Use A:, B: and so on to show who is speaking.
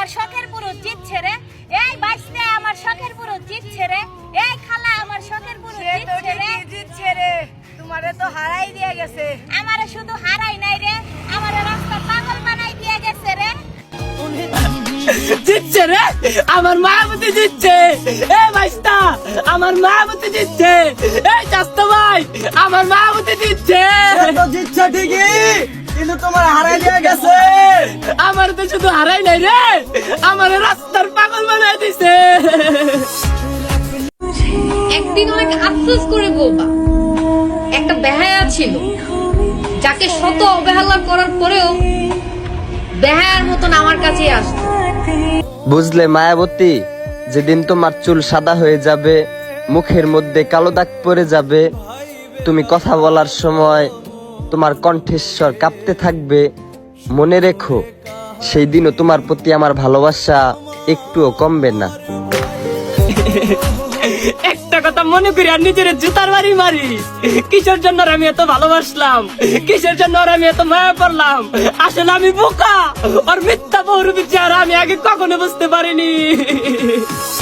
A: আমার শখের পুরুষ জিতছে রে, এই বাইসতে আমার শখের পুরুষ জিতছে রে, এই খালা আমার শখের পুরুষ
B: জিতছে রে, তোমারে তো হারাই দিয়ে গেছে।
A: আমারে শুধু হারাই নাই রে, আমারে রাস্তা পাগল বানাই দিয়ে গেছে রে।
C: জিতছে রে, আমার মায়াবতী জিতছে। এ বাইস্তা, আমার মায়াবতী জিতছে। এই চাস্তো ভাই, আমার মায়াবতী জিতছে।
D: তো জিতছে ঠিকই, কিন্তু তোমার হারাই দিয়ে গেছে।
C: আমার তো শুধু হারাই নাই রে, আমার রাস্তার পাগল বানাই দিছে।
E: একদিন অনেক আফসোস করে বলবা, একটা বেহায়া ছিল যাকে শত অবহেলা করার পরেও বেহায়ার মতন আমার কাছে আসতো।
F: বুঝলে মায়াবতী, যেদিন তোমার চুল সাদা হয়ে যাবে, মুখের মধ্যে কালো দাগ পড়ে যাবে, তুমি কথা বলার সময় তোমার কণ্ঠস্বর কাঁপতে থাকবে, মনে রেখো সেই দিনও তোমার প্রতি আমার ভালোবাসা একটুও কমবে না।
C: একটা কথা মনে করি আর নিজের জুতার বাড়ি মারি। কিসের জন্য আর আমি এত ভালোবাসলাম, কিসের জন্য আর আমি এত মায়া পড়লাম। আসলে আমি বোকা, আর মিথ্যা বহুরূপী চেহারা আমি আগে কখনো বুঝতে পারিনি।